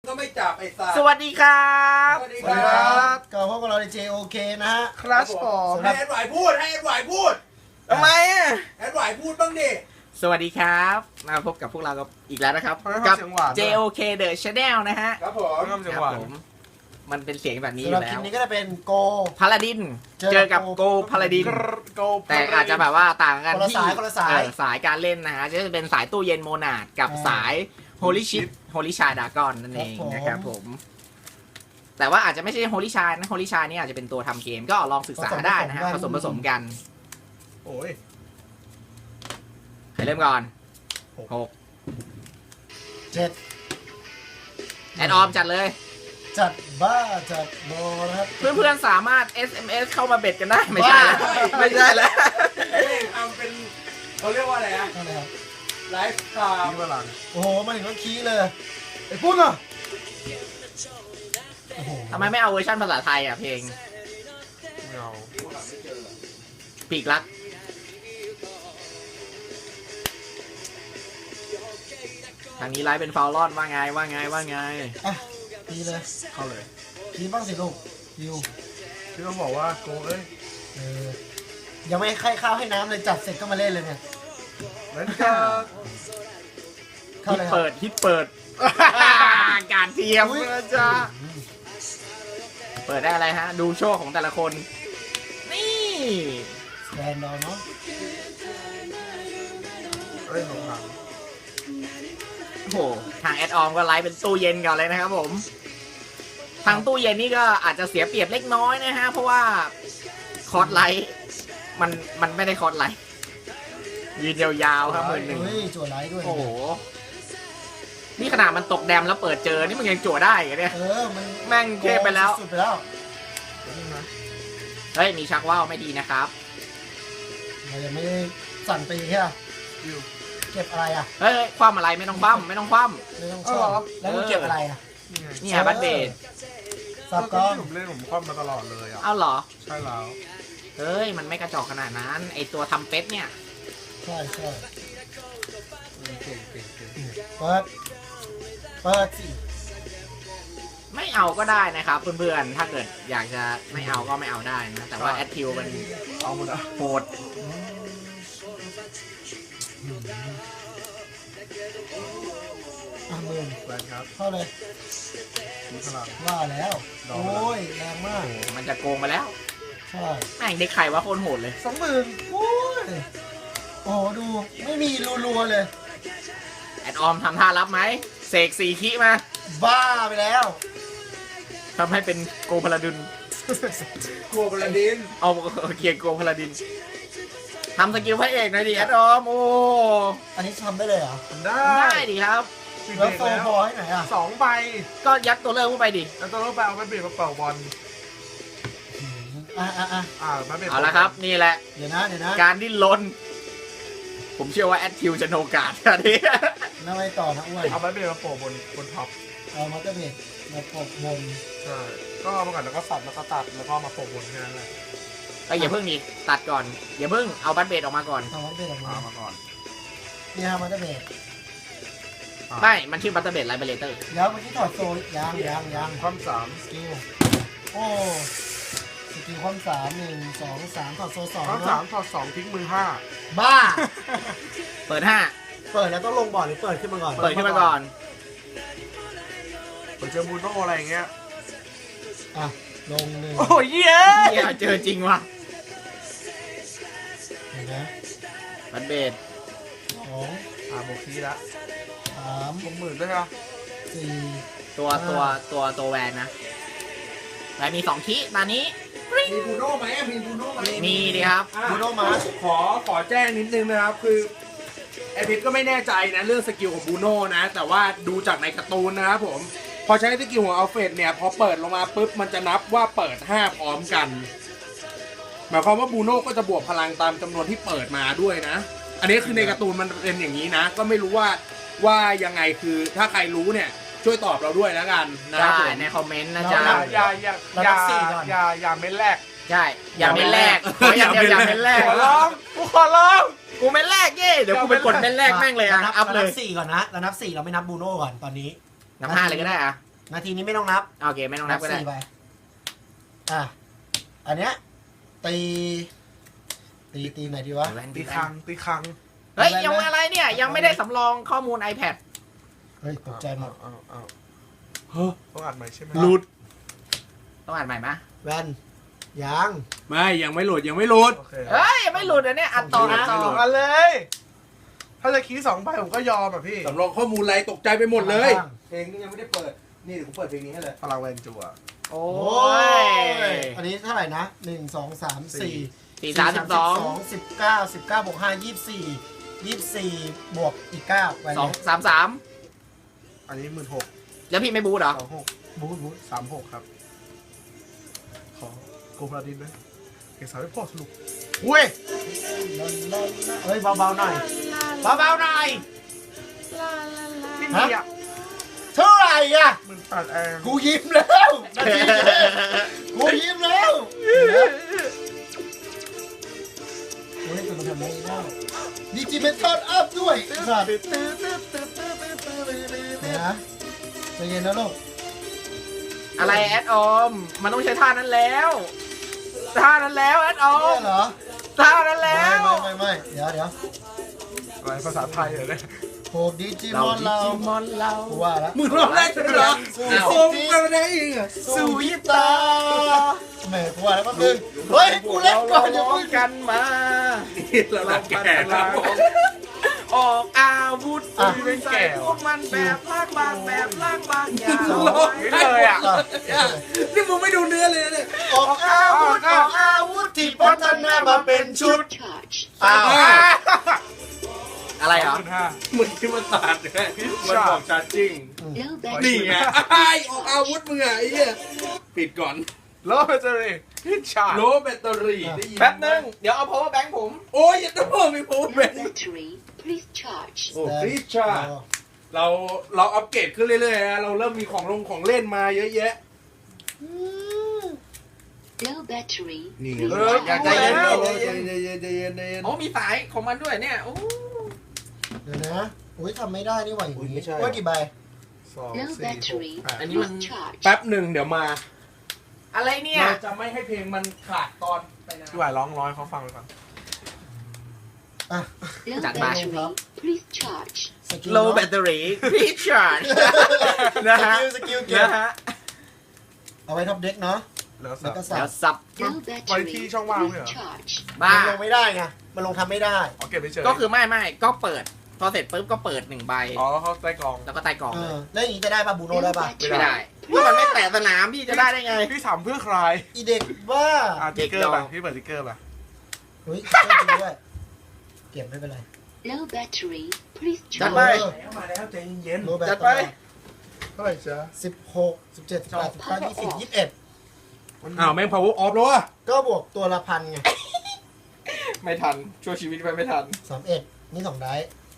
ก็ไม่จับไอ้สัตว์สวัสดีครับสวัสดีสวัสดีครับก็พบกับเราใน JOK นะฮะคลัชผมให้แอดไหวพูดให้แอดไหวพูดทำไมอ่ะแอดไหวพูดบ้างดิสวัสดีครับมาพบกับพวกเราอีกแล้วนะครับ กั JOK The Channel นะฮะครับผมครับผมมันเป็นเสียงแบบนี้อสำหรับยู่คแล้ลิปวนี้ก็จะเป็นโกพาลาดินเจอกับโกพาลาดินแต่อาจจะแบบว่าต่างกันที่สายการเล่นนะฮะจะเป็นสายตู้เย็นโมนาดกับสายโฮลิชิปโฮลิชาดากอนนั่นเองนะครับผมแต่ว่าอาจจะไม่ใช่โฮลิชานะโฮลิชานี่อาจจะเป็นตัวทำเกมก็ลองศึกษาได้นะฮะผสมกันโอ้ยใครเริ่มก่อน6 7 แอดออมจัดเลยจัดบ้าจัดโบนะครับเพื่อนๆสามารถ SMS เข้ามาเบ็ดกันได้ไม่ใช่แล้วไม่ใช่แล้วทำเป็นเขาเรียกว่าอะไรอะนั่นแหละครับไลฟ์สไตล์นี่พลังโอ้โหมาถึงก็คีย์เลยไอ้ปุ้นอ่ะโอ้โหทำไมไม่เอาเวอร์ชันภาษาไทยอ่ะเพลงเงาปีกรักทางนี้ไลฟ์เป็นฟาวลอนว่าไงอ่ะคีย์เลยเข้าเลยคีย์บ้างสิลูกยิวพี่ต้องบอกว่าโกเอ้ยเออยังไม่ให้ข้าวให้น้ำเลยจัดเสร็จก็มาเล่นเลยเนี่ยแล้วก็เข้าฮิตเลยครับเปิดฮิตเปิด การเทียมนะจ๊ะเปิดได้อะไรฮะ ดูโชว์ของแต่ละคน นี่สแตนดอร์เนาะเอ้ยหลงหลังโอ้โหทางแอดออมก็ไลฟ์เป็นตู้เย็นก่อนเลยนะครับผม ทางตู้เย็นนี่ก็อาจจะเสียเปรียบเล็กน้อยนะฮะ เพราะว่าคอร์สไลท์มันไม่ได้คอร์สไลท์ยืนยาวๆครับมือหนึ่งเฮ้ยจั่วไลท์ด้วยโอ้โห นี่ขนาดมันตกแดมแล้วเปิดเจอ นี่มันยังจั่วได้เหรอเนี่ยเออมันแม่งเทพไปแล้วสุดไปแล้วเฮ้ย มีชักว่าวไม่ดีนะครับเรายังไม่ได้สั่นตีใช่ไหมเก็บอะไรอ่ะเฮ้ย คว่ำอะไรไม่ต้องคว่ำไม่ต้องคว่ไม่ต้องชอบแล้วมึงเก็บอะไรอ่ะนี่ไงำนี่ฮะบัตเบดสับก้อนผมเล่นผมคว่ำมาตลอดเลยอ่ะเอาเหรอใช่แล้วเฮ้ย มันไม่กระจอกขนาดนั้น ไอตัวทำเป็ดเนี่ยใช่ใช่เก่งเก่งเก่งเปิดสิไม่เอาก็ได้นะครับเพื่อนๆ ถ้าเกิดอยากจะไม่เอาก็ไม่เอาได้นะ แต่ว่าแอดทิวมันเอาหมดอ่ะโหดหมื่นแรงครับเข้าเลยมีพลังว่าแล้วดอกโอ้ยแรงมากมันจะโกงไปแล้วใช่แม่งเด็กไข่ว่าโคตรโหดเลย 20,000โอ้ยโอ้โหดูไม่มีรัวๆเลยแอดออมทำท่ารับไหมเสกสี่คิมาบ้าไปแล้วทำให้เป็นโกพลาดินกลัวบลาดินเอาเกียร์โกพลาดินทำสกิลพระเอกหน่อยดิแอดออมโอ้อันนี้ทำได้เลยเหรอทำได้ได้ดิครับปิดแล้เบวรกโฟแล้วพอให้ไหนอ่ะ 2 ใบก็ยัดตัวเลิกเข้าไปดิแล้วตัวเราไปเอาไปเบรกมาเป่าบอล มาเบรกเอาละครับ นี่แหละเดี๋ยวนะการดิ้นรนผมเชื่อว่าแอดทิวจะโนกาดอันนี้แล้วไปต่อนะอ้วนเอาไปเบรกมาโปะบนท็อปเอามาเตอร์เบดมาปกบนใช่ก็เอามาก่อนแล้วก็สับแล้วก็ตัดแล้วก็มาโปะบนแค่นั้นแหละเอ้ยอย่าเพิ่งนี่ตัดก่อน อย่าเพิ่งเอาบัตเบดออกมาก่อนทำมาเตอร์เบดออกมาเอามาก่อนนี่ฮะมาเตอร์เบดไม่มันชื่อบัตเตอร์เบดไลเบเลเตอร์เดี๋ยวเมื่อกี้ถอดโซ่ยังความสามสกิลโอ้สกิลความ3 1 2 3ถอดโซ่2 ความสามถอด2ทิ้งมือบ้าเปิดเปิดแล้วต้องลงบอร์ดหรือเปิดขึ้นมาก่อน 5เปิดขึ้นมาก่อน 5เปิดเจอบูโน่อะไรอย่างเงี้ยอ่ะลงหนึ่งโอ้ยเย้เหี้ยเจอจริงว่ะเห็นไหมบัตเบด 2 โบคีละ 3 60,000ด้วยครับ 4 ตัวแวนนะแวนมี2คิตอนนี้มีบูโน่ไหมมีบูโน่ไหมมีดิครับบูโนมาสขอแจ้งนิดนึงนะครับคือไอพิทก็ไม่แน่ใจนะเรื่องสกิลของบูโน่นะ แต่ว่าดูจากในการ์ตูนนะครับผมพอใช้สกิลของอัลเฟรดเนี่ยพอเปิดลงมาปุ๊บมันจะนับว่าเปิด5พร้อมกันหมายความว่าบูโน่ก็จะบวกพลังตามจำนวนที่เปิดมาด้วยนะ อันนี้คือในการ์ตูนมันเป็นอย่างนี้นะ ก็ไม่รู้ว่ายังไงคือถ้าใครรู้เนี่ยช่วยตอบเราด้วยแล้วกันนะครับได้ผมในคอมเมนต์นะจ๊ะอย่าเม็ดแรกใช่ อย่าเป็นแรกขออย่างเดียวอย่าเป็นแรกขอร้องกูขอร้องกูเป็นแรกเย่เดี๋ยวกูไปกดเป็นแรกแม่งเลยอ่ะ อัพเลย 4ก่อนนะเรานับ4เราไม่นับบูโน่ก่อนตอนนี้นับ5เลยก็ได้อ่ะนาทีนี้ไม่ต้องนับโอเคไม่ต้องนับก็ได้ 4ใบอ่ะอันเนี้ยตีไหนดีวะตีครั้งตีครั้งเฮ้ยยังอะไรเนี่ยยังไม่ได้สำรองข้อมูล iPad เฮ้ยตกใจหมดเอาเฮ้ยต้องอัดใหม่ใช่ไหมหลุดต้องอ่านใหม่ไหมแวนยังไม่ยังไม่หลุดยังไม่หลุดโอเคเฮ้ยยังไม่หลุดอันเนี้ยอัดต่ออัดต่อสองอันเลย ถ้าจะคีย์2ใบผมก็ยอมอ่ะพี่สำรองข้อมูลอะไรตกใจไปหมดเลย เพลงนี้ยังไม่ได้เปิด นี่เดี๋ยวผมเปิดเพลงนี้ให้เลยพลังแวนจัวโอ้โอ้ยยอันนี้เท่าไหร่นะ1 2 3 4 4 3 12 19บวก5 24บวกอีก9ไปเลย 2 3 3 อันนี้16,000 แล้วพี่ไม่บูทเหรอ 26บูท36ครับขอโกพลาดินนะเก็บสาวไม่พอสรุปอุ้ยเฮ้ยเบาๆหน่อยเบาๆหน่อยไม่มีอ่ะเท่าไหร่อ่ะ 18,000เองกูยิ้มแล้วนาทีเดียวกูยิ้มแล้วโอ้ยตัวมันทำไม่ได้ดิจิเมนทอลอัพด้วยสัตว์นะใจเย็นนะลูกอะไรแอดออมมันต้องใช้ท่านั้นแล้วท่านั้นแล้วแอดออเนี่มยเหรอท่านั้นแล้วไม่เดี๋ยวอะไรภาษาไทยเหรอเนี่ยโหดิจิมอนเรามอนเรากูว่าแล้วมึงร้องได้ใช่ไหมเหรอโอ้มึงกันได้อีกอ่ะสู่ยิบตาแหมกูว่าแล้วก็นึงเฮ้ยกูเล่นก่อนอย่าร้อเพิ่งงกันมาเราลักแก่ครับผมออกอาวุธเป็นใส่พวกมันแบบลากบางแบบลากบางอย่างร้องได้เลยอ่ะนี่มึงไม่ดูเนื้อเลยนะเนี่ยออกอาวุธที่พัฒนามาเป็นชุด อ้าวอะไรเหรอมึงที่มันตัดไงมันบอกชาร์จิ้ง นี่ไงไอ้ออกอาวุธมึงอ่ะไอ้เหี้ยปิดก่อนโลเบเตอรี่ฮิตชาร์โลแบตเตอรี่ได้ยินแป๊บนึงเดี๋ยวเอา power bank ผมโอ้ยอย่าต้องมีผมเป็น Battery, please charge. โอ้คริสชาเราอัปเกรดขึ้นเรื่อยๆนะเราเริ่มมีของเล่นมาเยอะแยะ Low battery, นี่ please อยาก charge. ใจเย็นใจเย็นโอ้มีสายของมันด้วยเนี่ยโอ้เดี๋ยวนะอุ้ยทำไม่ได้นี่หว่าอย่างอุ๊ยนี้ไม่ใช่ว่ากี่ใบ Low 2 4 battery, อันนี้มัน please charge. แป๊บหนึ่งเดี๋ยวมาอะไรเนี่ยเราจะไม่ให้เพลงมันขาดตอนไปนะพี่หวายร้องร้อยเขาฟังไปก่อนอ่ะ Low Chặt battery, please charge. สกิล low battery recharge นะฮะสกิลเก็บนะฮะเอาไว้ท็อปเด็กเนาะแล้วแล้วก็สับแล้สัวบสับ Low battery, Quality ช่องว่างไหมเหรอ please charge. บ้ามันลงไม่ได้ไงมันลงทำไม่ได้เอาเก็บไปเฉยก็คือไม่ก็เปิด พอเสร็จปุ๊บก็เปิด1ใบอ๋อเขาใต้กองแล้วก็ใต้กล่องเอเลอย แล้วอย่างนี้จะได้ป่ะบูโน่ Low ได้ป่ะไม่ได้ battery, ก็มันไม่แตะสนามพี่จะได้ได้ไงพี่ถามเพื่อใครอีเด็กว่าติ๊กเกอร์ป่ะพี่เปิดติ๊กเกอร์ป่ะเฮ้ยเก็บด้วยเก็บไม่เป็นไร low battery, please จัดไป charge. มาแล้วใจเย็นโลแบตจัดไปเท่าไหร่จ๊ะ 16 17 18 19 20 21 อ้าวแม่ง power off แล้วอ่ะก็บวกตัวละพันไงไม่ทันช่วยชีวิตไปไม่ทัน 31นี่2ได้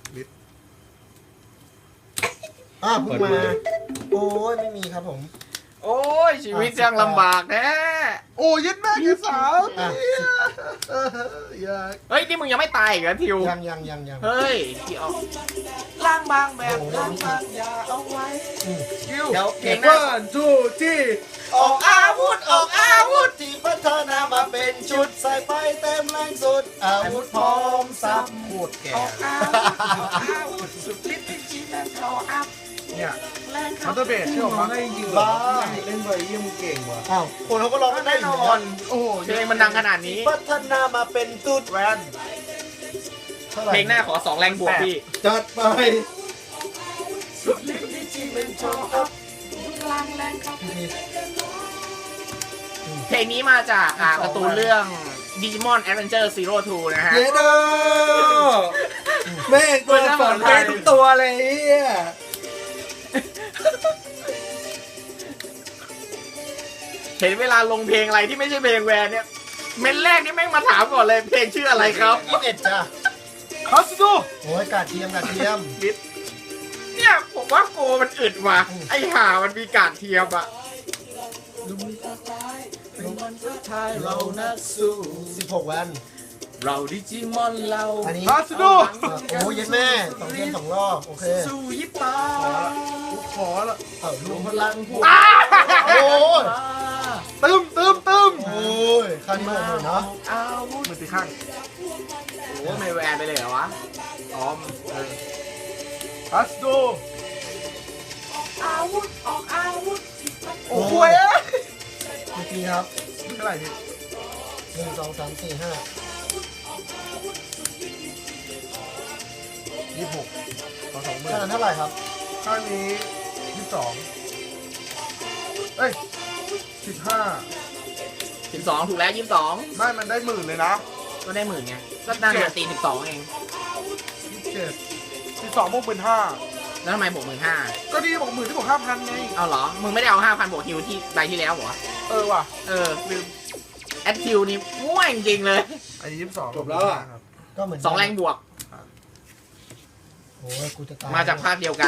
เพิ่งมา โอ้ยไม่มีครับผมโอ้ยชีวิตยังลำบากแน่โอ้ยึดแม่ยึดสาวอ่ะอยากเฮ้ยนี่มึงยังไม่ตายอีกเหรอทิวยังเฮ้ยที่ออกล่างบางแบบล่างบางอย่าเอาไว้อืมคิวเดี๋ยวเพลเก่งงหน้าว่าจูจี้ออกอาวุธที่พัฒนามาเป็นชุดใส่ไปเต็มแรงสุด อาวุธพร้อมสับโคตรแก่ออกอาวุธสุดฤทธิ์จริงๆแล้วเขาอัพเนี่ยแรงมัตเตอร์เบสเชื่อผมได้จริงเหรอเล่นไปเยี่ยมเก่งว่ะอ้าวคนเขาก็ร้องกันได้แน่อน ยู่อแล้วนโอ้โหเพลงมันดังขนาดนี้พัฒนามาเป็นตุดแวนเท่าไหร่เพลงหน้าขอ2แรงบวกพี่จัดไปเพลงนี้มาจากการ์ตูนเรื่อง Digimon Adventure Zero 2 นะฮะเย้ดแม่งตัวสอนเพลงทุกตัวเลยเฮียเห็นเวลาลงเพลงอะไรที่ไม่ใช่เพลงแวนเนี่ย เมนแรกนี่แม่งมาถามก่อนเลยเพลงชื่ออะไรครับ 21จ้ะคัสดูโอ้ยกาดเทียมเนี่ยผมว่าโกมันอึดว่ะไอห่ามันมีการเทียมอ่ะเรานักสู้16วันเราดิจิมอนเราอันนี้คัสดูโอ้ยเย็นแม่2เทียม2รอบโอเคสู้ยิปปาทุกคอละรวมพลังพวกโอ้ยตึมโอ้ยค่านี้หมดเนาะมันตีข้างโอ้ไม่แวนไปเลยเหรอวะอ๋อฮัสโดโอ้โหพี่ครับเท่าไหร่พี่ 1 2 3 4 5 26ต่อ20,000 ค่านั้นเท่าไหร่ครับข้างนี้22เอ้ย15 12ถูกแล้ว22 ไม่มันได้หมื่นเลยนะก็ได้10,000ไงก็น่าจะตี12เอง 27 12บวก15,000 แล้วทำไมบวก15,000 ก็ดีบอก10,000ที่บอก5,000ไงเอาเหรอมึงไม่ได้เอา 5,000บวกฮิวที่ใบที่แล้วเหรอว่ะลืมแอดฮิวนี่มั่วจริงๆเลยอันนี้22 จบแล้วอะครับก็เหมือน 2 แรงบวกโอ้ยกูจะตายมาจากภาคเดียวกัน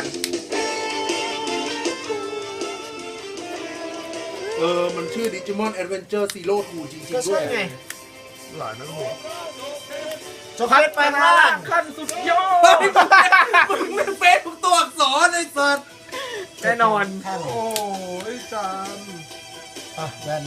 มันชื่อ Digimon Adventure Zero 2 จริงก็ๆด้ใช่วยไงหลายนักหัวจบเพชรไปล่างขั้นสุดยอเฮ้ดยมึงไม่เฟซทุกตัวอักษรไอ้สัสแน่นอนข้างหนึ่งโอ้ยจานอ่ะแบน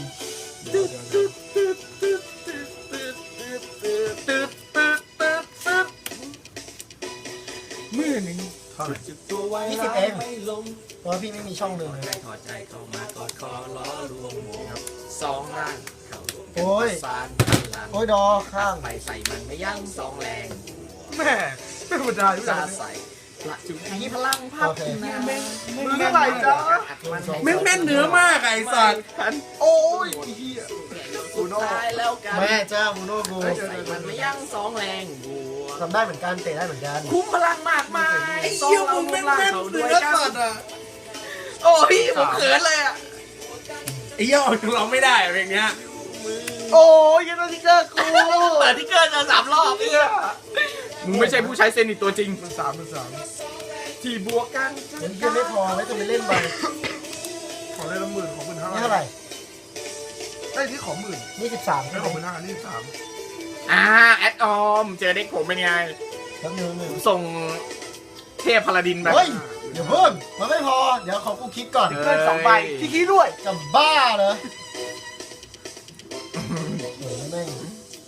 มือหนึ่งเท่าไหร่ 20 เองเพราะว่าพี่ไม่มีช่องหนึ่งเลยถอดใจเข้ามากอดคอล้อรวมหมู่สองร่างเข้าโอ้ยสารพันลังโอ้ยดอข้างไปใส่มันไม่ยั้งสองแรงแม่ไม่ธรรมดาอยู่ซานะใส่ละจุมีพลังพัฒนามึงเท่าไหร่จ๊ะแม่งแม่นเนื้อมากไอ้สัสโอ้ยเฮียสุดท้ายแล้วกันแม่เจ้ามูโนกูใส่มันไม่ยั้งสองแรงบัวทำได้เหมือนกันเตะได้เหมือนกันคุ้มพลังมากมายไอ้เหี้ยมึงแม่งแม่นเนื้อสัสอ่ะโอ้ยผมเขินเลยอ่ะไอ้เหี้ยออกจากเราไม่ได้อะเพลงเนี้ยโอ้ยยันนาฬิกากูเปิดที่เกินจะ3 รอบเนี่ยมึงไม่ใช่ผู้ใช้เซนิตตัวจริงมันสามที่บวกกันเดี๋ยวยังไม่พอไว้จะไปเล่นไปขอได้ละ10,000ของ15,000 นี่เท่าไหร่ไอ้ที่ขอ10,000 นี่13 ไอ้ใช่ไหของม 15,000นี่3 แอดออมเจอเด็กผมเป็นไงแล้วหนึ่งส่งเทพพลาดินไปเฮ้ยเดี๋ยวเพิ่มมันไม่พอ เดี๋ยวขอกูคิดก่อนเกิน2 ใบที่ขี้ด้วยจะบ้าเหรอโอ้ยแม่ง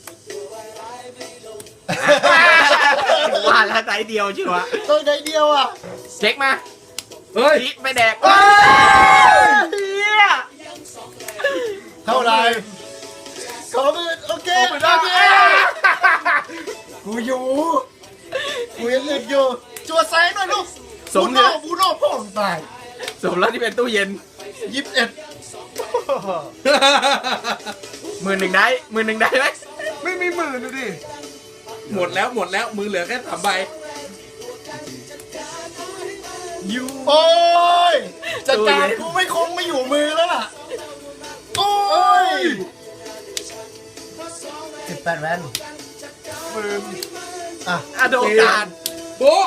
ว่าแล้วใจเดียวใช่ไหมต้องได้เดียวอ่ะเช็คมาเฮ้ยพีไม่แดกเท่าไหร่ขอมือโอเคโอเคกูอยู่กูยังอึดอยู่จัวไซส์หน่อยลูกสมเนี่ยบูโน่พ่อมึงตายสมแล้วที่เป็นตู้เย็น 21 10,000ได้10,000ได้ไหมไม่มีหมื่นดูดิหมดแล้วมือเหลือแค่3 ใบโอ้ยจัดการกูไม่คงไม่อยู่มือแล้วล่ะโอ้ย18 แวน 10,000 อ่ะอะโดการโบ๊ะ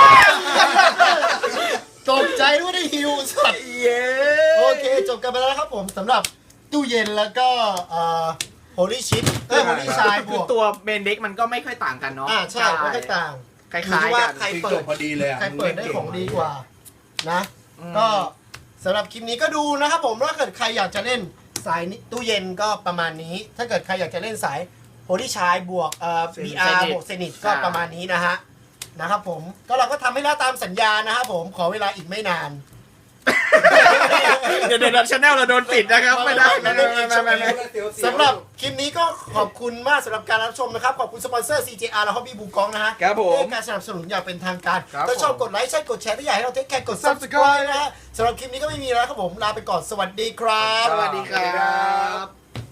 ตกใจว่าได้ฮิวสัตว์เย้โอเคจบกันไปแล้วนะครับผมสำหรับตู้เย็นแล้วก็โฮลี่ชิปโฮลี่ชายบคือวกตัวเบนเด็กมันก็ไม่ค่อยต่างกันเนาะใช่ไม่ค่อยต่างคล้ายอยู่ที่ๆว่ากันใครจเปิบดพอดีเลยอ่ะใครเปิดได้ของดีกว่านะอืมก็สำหรับคลิปนี้ก็ดูนะครับผมถ้าเกิดใครอยากจะเล่นสายตู้เย็นก็ประมาณนี้ ถ้าเกิดใครอยากจะเล่นสายโฮลี่ชายบวกBR บวกเซนิตก็ประมาณนี้นะครับผมก็เราก็ทำให้แล้วตามสัญญานะครับผมขอเวลาอีกไม่นานเดี๋ยวชาแนลเราโดนปิดนะครับไม่ได้ไม่สำหรับคลิปนี้ก็ขอบคุณมากสำหรับการรับชมนะครับ ขอบคุณสปอนเซอร์ CJR และ Hobby บูกองนะฮะครับผมให้การสนับสนุนอย่างเป็นทางการครับถ้าชอบผมกดไลค์ใช่กดแชร์ถ้าอยากให้เราเทคแคร์กด Subscribe Subscribe นะฮะสำหรับคลิปนี้ก็ไม่มีแล้วครับผม ลาไปก่อนสวัสดีครับสวัสดีครับ